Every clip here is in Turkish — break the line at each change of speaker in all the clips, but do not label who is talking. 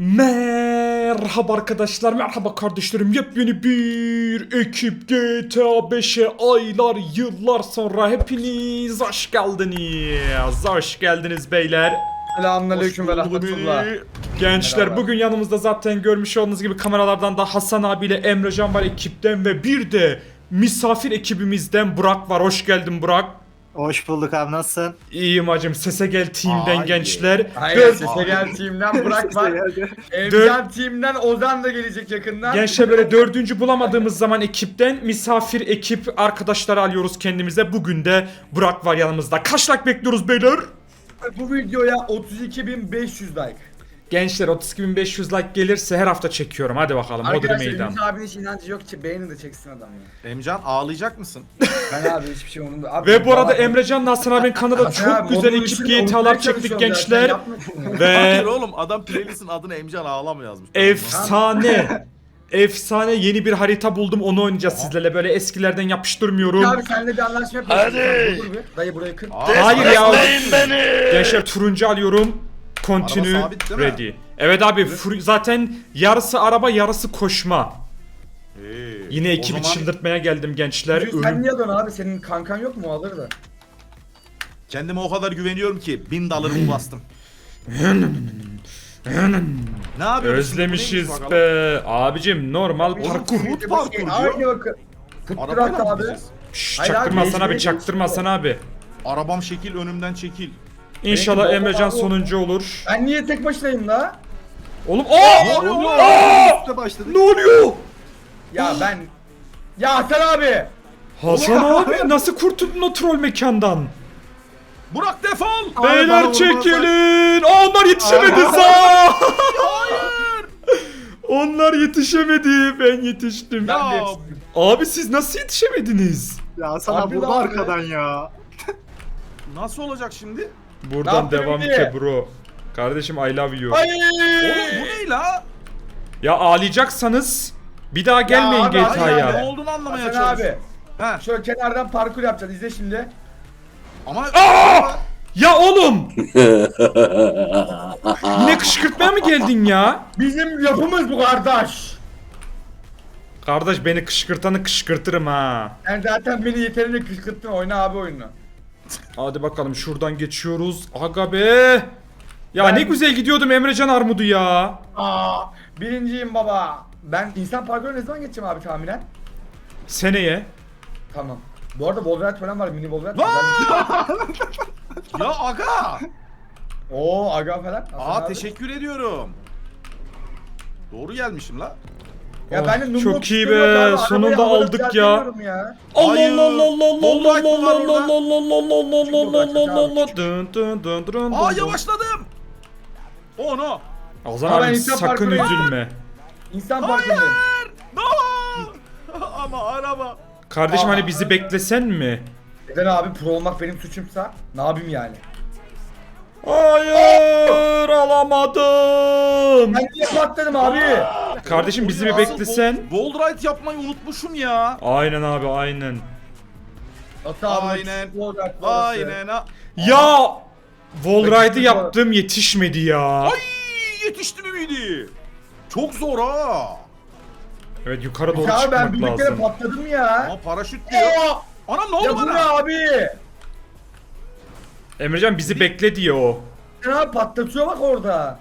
Merhaba arkadaşlar, merhaba kardeşlerim. Yepyeni bir ekip GTA 5'e aylar, yıllar sonra hepiniz hoş geldiniz. Hoş geldiniz beyler.
Selamünaleyküm ve rahmetullah.
Gençler
Merhaba.
bugün yanımızda zaten görmüş olduğunuz gibi kameralardan da Hasan abiyle Emrecan var ekipten ve bir de misafir ekibimizden Burak var. Hoş geldin Burak.
Hoş bulduk abi, nasılsın?
İyiyim hacım, Sese Gel Team'den
Ay.
gençler.
Hayır, Sese Gel Team'den Burak var. Emcan Team'den Ozan da gelecek yakından.
Gençler böyle dördüncü bulamadığımız zaman ekipten misafir ekip arkadaşları alıyoruz kendimize. Bugün de Burak var yanımızda. Kaç like bekliyoruz beyler?
Bu videoya 32.500 like.
Gençler 32.500 like gelirse her hafta çekiyorum. Hadi bakalım. Hodri
Arkadaşlar
meydan.
Ümit abinin hiç inancı yok ki beğenin de çeksin adam ya.
Emcan ağlayacak mısın?
Ben abi hiçbir şey umurumda. Abi,
Ve bu arada
vallahi-
Emrecan'la Hasan abinin kanalında
Hasan
çok
abi,
güzel
onun
ekip
için
GTA'lar
unutmaya
çektik
çalışıyorum
gençler.
zaten, yapma şunu.
Hayır
Ve
oğlum, adam playlistin adını Emcan ağlama yazmış.
efsane. Efsane yeni bir harita buldum, onu oynayacağız sizlerle. Böyle eskilerden yapıştırmıyorum.
Abi senle bir anlaşma yapalım.
Hadi.
Dur bir. Dayı burayı kır.
Hayır ya.
Destekleyin beni.
Gençler turuncu alıyorum. Continue
Araba sabit değil mi?
ready. Evet abi zaten yarısı araba yarısı koşma. Yine
o
ekibi
zaman
çıldırtmaya geldim gençler.
Sen niye dön abi? Senin kankan yok mu? O alır da.
kendime o kadar güveniyorum ki 1000 dolarımı bastım. Ne yapıyorsun?
Özlemişiz be. Abicim normal parkur.
Food parkur diyor.
Aynı bakın. Futturak
Arabayla mı
abi.
gideceğiz?
Şşş,
Hayır
çaktırma
abi,
Hasan abi,
mecburi
çaktırma Hasan abi.
Arabam şekil, önümden çekil.
İnşallah
Belki
Emrecan
baba-
sonuncu olur.
Ben niye tek başınayım la?
Oğlum
Ne oluyor? Üstte başladık.
ne oluyor?
Ya ben... Ya Hasan abi!
Hasan abi nasıl kurtuldun o troll mekandan?
Burak defol.
Abi bana
Beyler
vurmazlar.
çekilin. Aa, onlar yetişemedi. Aa! Onlar yetişemedi. Ben yetiştim.
Ben de
Ya
yetiştim.
Abi siz nasıl yetişemediniz?
Ya sana
Abi
burada
lan
arkadan ya.
nasıl olacak şimdi?
Ne
Buradan
yaptın
devam
Ümidi?
ki bro. Kardeşim I love you.
Ay!
Oğlum bu ne la?
Ya ağlayacaksanız bir daha gelmeyin
abi,
Hayır
GTA'ya.
ya, ne olduğunu anlamaya
Hasan abi.
çalışıyorum. He.
Şöyle kenardan parkur yapacağız. İzle şimdi.
Ama
Ya oğlum! Yine kışkırtmaya mı geldin ya?
Bizim yapımız bu kardeş.
Kardeş beni kışkırtanı kışkırtırım ha.
Sen zaten beni yeterince kışkırttın. Oyna abi oyunu.
Hadi bakalım şuradan geçiyoruz. Aga be! Ya ne güzel gidiyordum Emrecan Armudu ya.
Aa, birinciyim baba. Ben insan parkuru ne zaman geçeceğim abi tahminen?
Seneye.
Tamam. Bu arada Wolverine falan var. Mini Wolverine.
ya aga.
Oo aga falan. Hasan
Aa
abi.
teşekkür ediyorum. Doğru gelmişim la.
Ya
Oh,
ben de Numbo
çok iyi
tutuyorum
be,
abi, arabayı
sonunda
havada
aldık ya.
düzeltemiyorum ya.
Allah
Hayır.
Allah Allah Allah Allah
Bombayt
Allah
mı var
Allah
orada?
Allah Allah Allah Allah Allah Allah
Çık,
Dın dın dın dın
Aa
dın.
yavaşladım. Oh no.
Ozan
Aa, ben
abi
insan
sakın
parkuru-
üzülme.
İnsan parkurundayım.
No. Ama araba.
Kardeşim
Aa.
hani bizi beklesen mi?
Neden abi pro olmak benim suçumsa ne yapayım yani?
Hayır alamadım.
Ben niye patladım abi?
Kardeşim bizi bir
Asıl
beklesen.
Bold ride yapmayı unutmuşum ya.
Aynen abi aynen.
Ata abi.
Aynen.
Aynen.
Aynen ha.
Ya Wallride'ı
Yetiştim
yaptım yetişmedi ya.
Ay yetişti mi miydi? Çok zor ha.
Evet yukarı doğru
Ya ben
çıkmak
bir kere
lazım.
patladım ya.
Ama paraşüt diyor.
Aa!
Anam ne oldu
Ya bu ne
bana?
abi?
Emrecan bizi bekle diyor o.
Sen abi patlatıyor bak orada.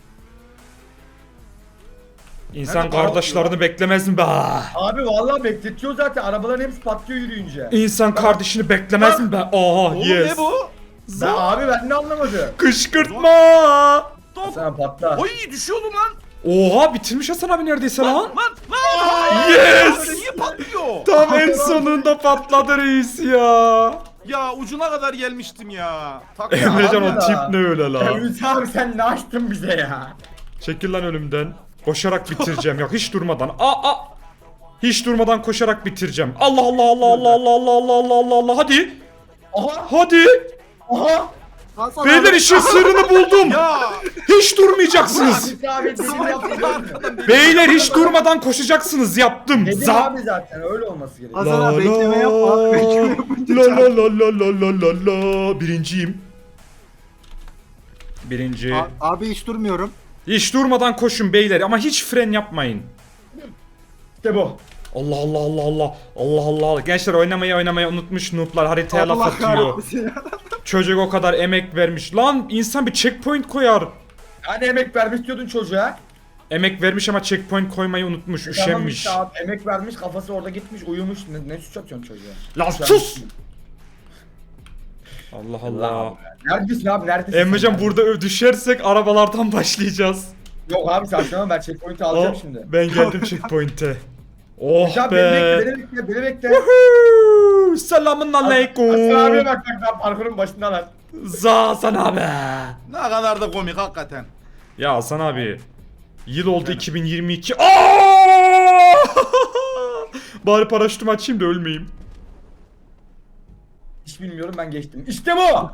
İnsan
Nerede
kardeşlerini beklemez mi be?
Abi vallahi bekletiyor zaten. Arabaların hepsi patlıyor yürüyünce.
İnsan kardeşini beklemez mi be? Aha
Oğlum
yes.
ne bu?
Ben, abi ben de anlamadım.
Kışkırtma.
Top.
Sen patla.
Oy düşüyordum lan.
Oha bitirmiş Hasan abi neredeyse lan.
Lan.
Yes!
Böyle niye patlıyor?
Tam en sonunda patladı reis ya.
Ya ucuna kadar gelmiştim ya. Tak
Emrecan
abi
o
ya.
tip ne öyle la?
Ümit abi sen ne açtın bize ya?
Çekil lan önümden. Koşarak bitireceğim ya hiç durmadan. Hiç durmadan koşarak bitireceğim. Allah Allah Allah Allah Allah Allah Allah Allah Allah Allah hadi.
Aha
Hadi.
aha.
Hasan
Beyler
abi.
işin sırrını buldum.
Ya.
Hiç durmayacaksınız.
Ümit abi dedim yaptın.
Beyler hiç durmadan koşacaksınız yaptım.
Dedim
Za.
abi zaten öyle olması gerekiyor.
Hasan abi bekleme yapma. Bekleme yapınca
La
çarp.
la la la la la la la. Birinciyim. Birinci.
Abi hiç durmuyorum.
Hiç durmadan koşun beyler ama hiç fren yapmayın.
İşte bu.
Allah Allah Allah Allah. Allah Allah. Gençler oynamayı unutmuş noob'lar haritaya laf
Allah
atıyor.
kahretmesin ya.
Çocuk o kadar emek vermiş. Lan insan bir checkpoint koyar.
Hani emek vermiş diyordun çocuğa.
Emek vermiş ama checkpoint koymayı unutmuş,
Tamam
üşenmiş.
işte abi, emek vermiş kafası orada gitmiş uyumuş. Ne suç atıyorsun çocuğa?
Lan sus! Allah Allah.
Neredesin abi neredesin?
Emrecan
sen?
burada düşersek arabalardan başlayacağız.
Yok abi saçmalama ben checkpoint'i alacağım
Oh,
şimdi.
ben geldim checkpoint'e. Oh
Hocam
be.
beni bekle beni bekle.
Woohoo! Selamun
Hasan abiye
aleyküm.
bak ben parkurun başındalar.
Hasan abi.
Ne kadar da komik hakikaten.
Ya Hasan abi. Yıl oldu 2022. Aa! Bari paraşütümü açayım da ölmeyeyim.
Hiç bilmiyorum ben geçtim. İşte bu.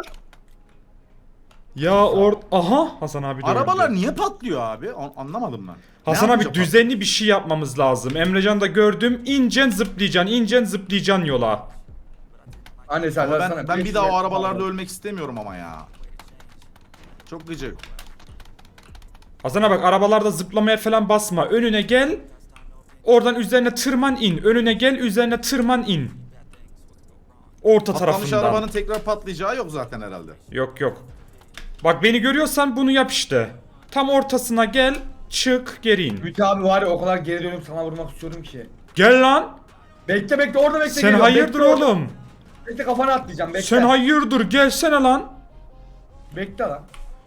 Ya aha Hasan abi de
Arabalar
öldü.
niye patlıyor abi? Anlamadım ben.
Hasan
Ne
abi
yapınca
düzenli bir şey yapmamız lazım. Emrecan da gördüm. İncen zıplayacaksın yola.
Anne sen
patlıyor?
sana
Ben bir daha o arabalarda ölmek istemiyorum ama ya. Çok gıcık.
Hasan abi bak arabalarda zıplamaya falan basma. Önüne gel. Oradan üzerine tırman in. Önüne gel üzerine tırman in. Orta
Patlamış
tarafından.
arabanın tekrar patlayacağı yok zaten herhalde.
Yok. Bak beni görüyorsan bunu yap işte. Tam ortasına gel. Çık geri in.
Ümit abi var ya o kadar geri dönüp sana vurmak istiyorum ki.
Gel lan.
Bekle orada bekle.
Sen
geliyorum.
hayırdır
Bekle orada.
oğlum.
Bekle kafana atlayacağım bekle.
Sen hayırdır gelsene lan.
Bekle lan.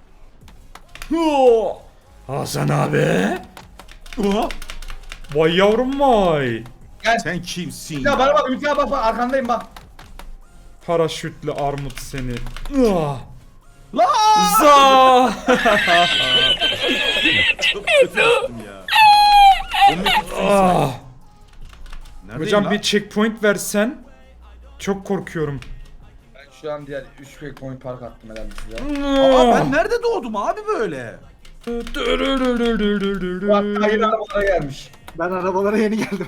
Huu. Hasan abi.
Oha.
Vay yavrum vay.
Gel.
Sen kimsin?
Ya bana bak Ümit abi bak arkandayım bak.
Paraşütlü armut seni. Ah.
La!
Za.
Çok kötü yaptım ya. Komik bir şey.
Ah.
Neredeyim
Hocam
lan?
bir checkpoint versen. Çok korkuyorum.
Ben şu an diğer 3 checkpoint park attım herhalde size.
Aa, ben nerede doğdum abi böyle?
Bu hatta yeni arabalara gelmiş.
Ben arabalara yeni geldim.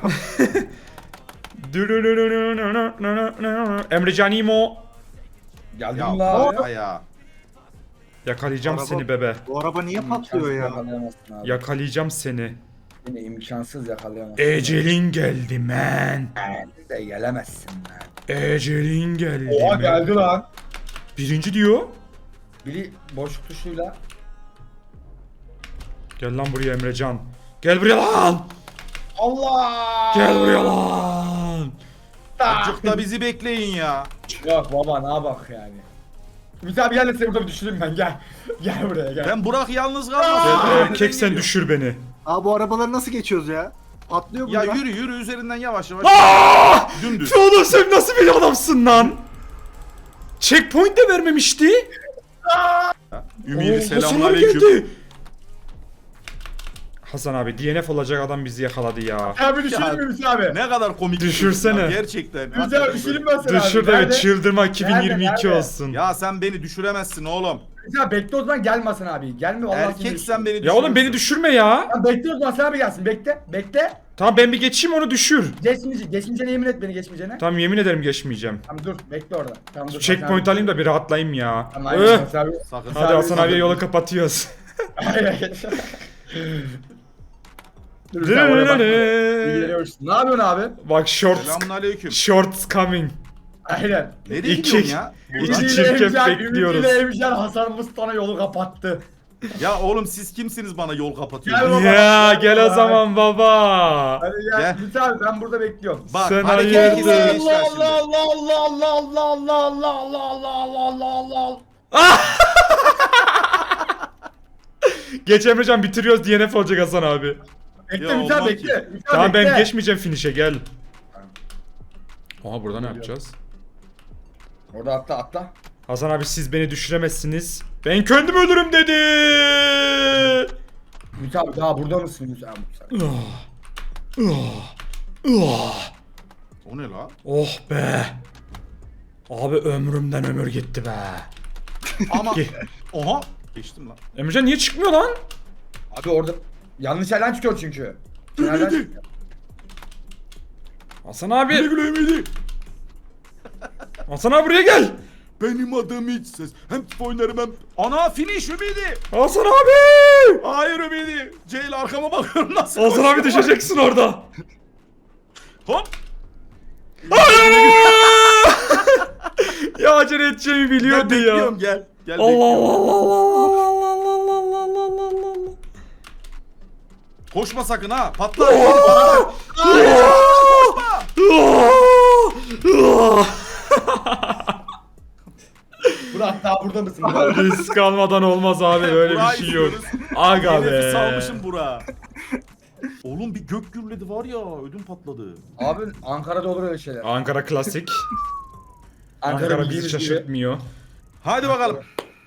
Emrecan İmo.
Geldim
Ya
la.
baba ya.
Yakalayacağım
Araba-
seni bebe.
Bu araba niye patlıyor ya?
Yakalayamazsın abi.
Yakalayacağım seni.
Yine imkansız yakalayamazsın.
Ecelin geldi man.
Sen de gelemezsin lan.
Ecelin geldi
Oha
man.
geldi lan.
Birinci diyor.
Biri boşluk tuşuyla.
Gel lan buraya Emrecan. Gel buraya lan.
Allah!
Gel buraya lan.
Azıcık da bizi bekleyin ya.
Yok baba ne bak yani. Ümit abi gel de seni burada bir düşüreyim ben gel. Gel buraya gel.
Ben Burak yalnız kalmasın.
Erkek sen düşür beni.
Aa bu arabaları nasıl geçiyoruz ya? Atlıyor
Ya
bunlar.
yürü üzerinden yavaş yavaş.
Aaaa!
Dümdüz.
Oğlum sen nasıl bir adamsın lan? Checkpoint de vermemişti.
Ümidi
Oo, Hasan abi
selamünaleyküm.
geldi. Hasan abi DNF olacak adam bizi yakaladı ya.
Abi düşüreyim mi Ümit abi?
Ne kadar komik. bir
Düşürsene.
çocuk ya, gerçekten.
Ümit abi düşüreyim ben seni abi.
Düşür de
Nerede?
çıldırma 2022
Nerede?
olsun.
Ya sen beni düşüremezsin oğlum.
Ümit abi bekle o zaman gelmesin abi. Gelme vallahi seni
Erkek sen beni
Ya
düşürürsün.
oğlum beni düşürme ya.
Tamam bekle o zaman sen abi gelsin bekle. Bekle.
Tamam ben bir geçeyim onu düşür.
Geçmeyeceğine yemin et beni geçmeyeceğine.
Tamam yemin ederim geçmeyeceğim.
Tamam dur bekle orada. Tamam dur.
Checkpoint alayım da bir rahatlayayım ya.
Tamam
Öh.
aynen Hasan abi.
Sakın.
Hadi Hasan abiye yolu kapatıyoruz.
Aynen. Dur sen oraya bak. İlgileniyorsun. Ne yapıyorsun abi?
Bak
Selamünaleyküm.
shorts coming.
Aynen.
Nereye
İki-
gidiyorsun ya?
İki çirkef bekliyoruz.
Ümit ile Emcan Hasan Mustafa'na yolu kapattı.
Ya oğlum siz kimsiniz bana yol kapatıyorsunuz?
Gel baba.
Ya gel o zaman baba.
Hadi gel.
Gel.
Ümit abi ben burada bekliyorum.
Bak
Sen
hareketi
hayırdır?
kesin gençler şimdi.
Allah Allah Allah Allah Allah Allah Allah Allah Allah Allah Allah.
Geç Emrecan bitiriyoruz DNF olacak Hasan abi.
Bekle
Ya
Ümit abi
olmaz
bekle.
ki.
Ümit abi
Tamam
bekle.
ben geçmeyeceğim finish'e gel. Aha burada ne yapacağız?
Orada atla.
Hasan abi siz beni düşüremezsiniz. Ben kendim ölürüm dedi.
Ümit abi daha burada mısın Ümit abi?
O ne la?
Oh be. Abi ömrümden ömür gitti be.
Ama
Ge-
oha geçtim lan.
Emrecan niye çıkmıyor lan?
Abi orada yanlış yerden çıkıyor çünkü. Nereden çıkıyor?
Hasan abi. Hasan abi buraya gel.
Benim adım hiç ses. Hem oynarım hem... Ana finish Ümidi.
Hasan abi!
Hayır Ümidi. Ceyl arkama bakıyorum nasıl
Hasan abi
koşuyor.
düşeceksin orada.
Hop.
Ya acele edeceğimi
Gel
biliyordu ya.
bekliyorum gel. Gel
Allah
bekliyorum.
Allah Allah Allah Allah Allah Allah Allah Allah.
Koşma sakın ha. Patlar. Bana bak.
Burak daha burada mısın?
Risk almadan olmaz abi, böyle bir
Burak'ı
şey yok.
istiyoruz.
Aga
Nefes
be.
salmışım Burak'a. Oğlum bir gök gürledi var ya, ödüm patladı.
Abi Ankara'da olur öyle şeyler.
Ankara klasik. Ankara bizi
bildiğiniz gibi.
şaşırtmıyor.
Hadi bakalım.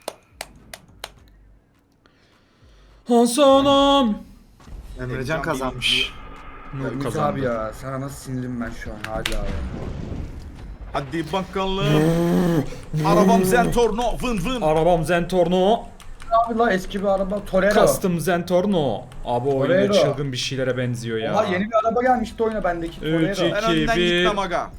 Hasan'ım.
Emrecan kazanmış.
Nur
Ümit
kazandı.
abi ya sana nasıl sinirlim ben şu an hadi abi.
Hadi bakalım. Arabam Zentorno vın vın.
Arabam Zentorno.
Abi la eski bir araba Torero.
Custom Zentorno. Abi o oyunda
Torero.
çılgın bir şeylere benziyor ya.
Oha yeni bir araba gelmişti oyuna bendeki Torero.
Üç,
Ben önden
bir-
gitmem aga.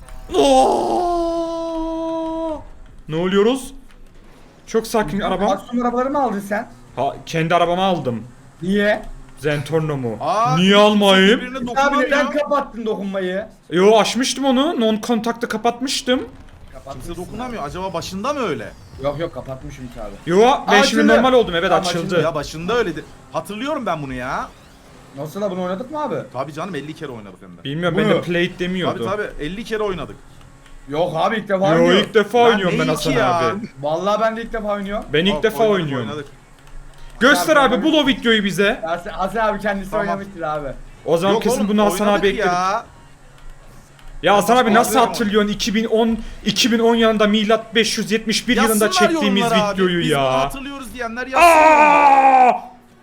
Oo! Ne oluyoruz? Çok sakin arabam.
Aksiyon arabaları mı aldın sen?
Ha, kendi arabamı aldım.
Niye?
Zentorno mu?
Aa,
Niye almayayım?
birbirine
Abi
dokunamıyor.
neden kapattın dokunmayı?
Yo, açmıştım onu. Non kontakta kapatmıştım.
Kimse dokunamıyor. Acaba başında mı öyle?
Yok yok kapatmış Ümit abi.
Yo, ben şimdi
Açıldı.
normal oldum. Evet,
Tamam,
açıldı.
Ya başında öyleydi. Hatırlıyorum ben bunu ya.
Nasıl da bunu oynadık mı abi?
Tabii canım 50 kere oynadık hem de.
Bilmiyorum,
Bunu-
ben de plate
Tabii
demiyordu.
tabii 50 kere oynadık.
Yok abi ilk defa
Yo,
oynuyorum.
ilk defa oynuyorum ben
ne
Hasan
iki ya?
abi.
Vallahi ben de ilk defa oynuyorum.
Ben ilk
Bak,
defa
oynadık,
oynuyorum.
oynadık.
Göster
Abi,
abi, bul o videoyu bize.
Hasan abi kendisi
Tamam.
oynamıştır abi.
O zaman
Yok
kesin
oğlum,
bunu Hasan
oynadık
abi ekledik.
ya.
Hasan abi nasıl
Abi,
hatırlıyorsun 2010 yılında milat 571 yılında
Yazsınlar
çektiğimiz
yorumlara abi.
videoyu
Biz bunu
ya.
hatırlıyoruz diyenler yazsın.
Aa!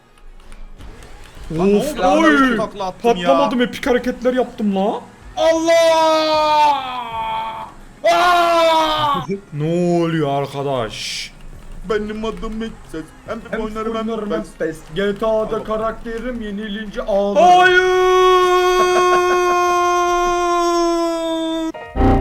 Lan ne
Of,
oldu lan?
oy!
Nasıl takla attım ya?
Patlamadım, epik hareketler yaptım la.
Allah! Aa!
Ne oluyor arkadaş?
Benim adım hiç ses. Hem de oynarım hem de ben.
Pes. GTA'da karakterim yenilince ağlarım.
Hayır!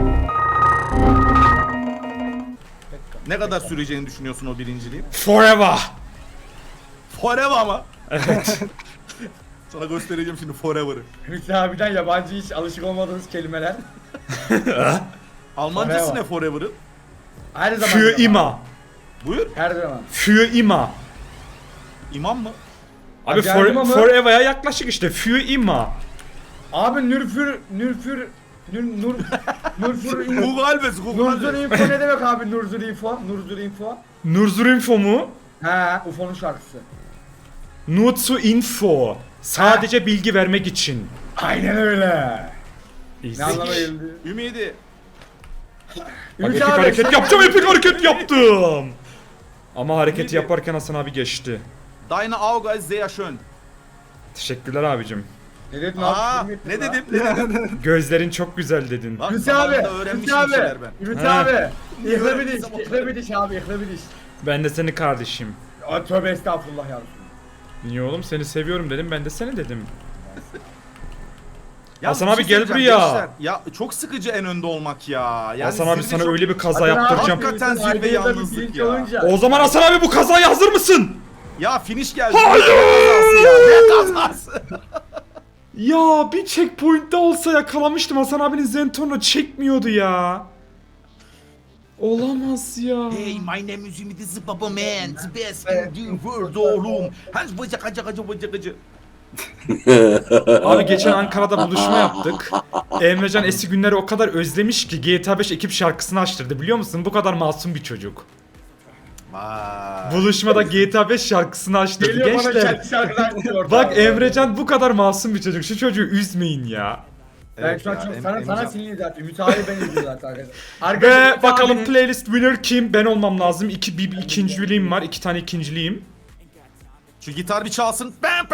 Ne kadar süreceğini düşünüyorsun o birinciliğin?
Forever.
Forever mı? Evet. Sana göstereceğim şimdi Forever'ı.
Ümit abiden yabancı hiç alışık olmadığınız kelimeler.
Almancası
Forever.
ne Forever'ın?
Her zaman.
Für
yabancı.
immer.
Buyur.
Her zaman.
Für immer.
İmam mı?
Abi
Geldim ama.
forever'a yaklaşık işte. Für immer.
Abi Nürfür Nürfür
Google Alves, Google
Nurzur
Alves.
Info ne demek abi Nurzur Info? Nurzur Info.
Nur Info mu?
He UFO'nun şarkısı.
Nur zu Info. Sadece bilgi vermek için.
Aynen öyle.
İyi.
Ne anlama geldi?
Ümidi.
Bak,
Ümit
epik
abi,
hareket
sen-
yapacağım, epik hareket yaptım. Ama hareketi yaparken Hasan abi geçti.
Deine Auge ist sehr schön.
Teşekkürler abicim.
Ne dedin
Aa,
abi?
ne dedim? Ne dedim?
Gözlerin çok güzel dedin.
Bak,
Ümit
zamanında
abi,
öğrenmişim
Ümit
bir
abi,
şeyler ben.
Ümit
He.
abi. İhle bir
öğrendim
diş,
zaman?
ihle bir diş abi, ihle bir diş.
Ben de seni kardeşim.
Aa, tövbe estağfurullah ya.
Niye oğlum, seni seviyorum dedim, ben de seni dedim.
Ya
Hasan
bir
abi, gel
söyleyeceğim
buraya.
gençler. Ya çok sıkıcı en önde olmak ya. Yani
Hasan abi,
zirve
sana
çok-
öyle bir kaza
Hadi abi,
yaptıracağım.
Hakikaten
Ümit'in
zirve
ailede bir
yalnızlık
bilinç
ya.
olunca-
O zaman Hasan abi, bu kazaya hazır mısın?
Ya finish geldi. Hayır. Ne kazası?
Ya bir checkpoint'te olsa yakalamıştım, Hasan abinin Zentorno çekmiyordu ya. Olamaz ya.
Hey, my name is Ümidi the Baba Man. The best in the world oğlum. Hans bıcak acı acı bıcak acı.
Abi geçen Ankara'da buluşma yaptık. Emrecan eski günleri o kadar özlemiş ki GTA 5 ekip şarkısını açtırdı, biliyor musun? Bu kadar masum bir çocuk.
Vay.
Buluşmada GTA 5 şarkısını açtırdı
Geliyor bana
gençler.
kendi şarkıdan diyor.
Bak Emrecan bu kadar masum bir çocuk. Şu çocuğu üzmeyin ya.
Ben
Evet
şu an
ya,
çok
Em-
sana
Emrecan-
sinirli zaten. Ümit abi ben izliyorum zaten arkadaşlar.
Ve
Ümit
bakalım
abinin-
playlist winner kim? Ben olmam lazım. Bir ikinciliğim var. 2 tane ikinciliğim.
Şu gitar bir çalsın.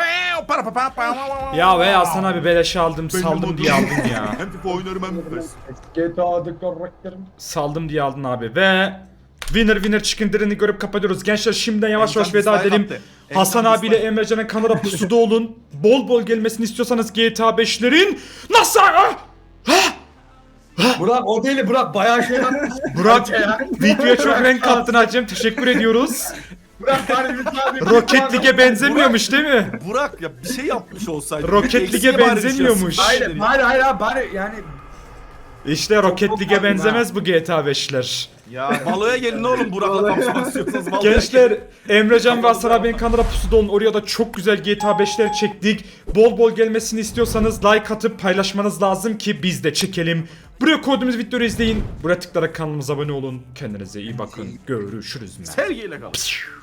Ya ve Hasan abi beleşe aldım.
Benim
Saldım
adım-
diye aldın ya.
Hem FIFA oynarım hem PES.
GTA'da karakterim.
Saldım diye aldın abi. Ve winner chicken dinner'ını görüp kapatıyoruz. Gençler şimdiden yavaş yavaş
Emrecan
veda
dislike
edelim.
attı.
Hasan
Emrecan
abiyle
dislike.
Emrecan'ın kanala pusuda olun. Bol bol gelmesini istiyorsanız GTA 5'lerin nasıl?
Burak o değil Burak bayağı şey yapmış.
Burak
Ya.
videoya çok renk kattın hacım. Teşekkür ediyoruz.
Burak bari bir tane
Rocket League'e benzemiyormuş değil mi?
Burak ya bir şey yapmış olsaydı.
Rocket
Eksiğe
League'e
bari bir şey
benzemiyormuş.
yapsın.
Hayır bari yani
İşte Rocket
çok
League'e
tatlı
benzemez bu GTA 5'ler.
Ya baloya gelin oğlum Burak'la kapışmak istiyorsanız baloya
Gençler Emrecan ve Hasan abinin kanalına pusuda olun. Oraya da çok güzel GTA 5'ler çektik. Bol bol gelmesini istiyorsanız like atıp paylaşmanız lazım ki biz de çekelim. Buraya koyduğumuz videoları izleyin. Buraya tıklayarak kanalımıza abone olun. Kendinize iyi bakın. Görüşürüz.
Sevgiyle kalın.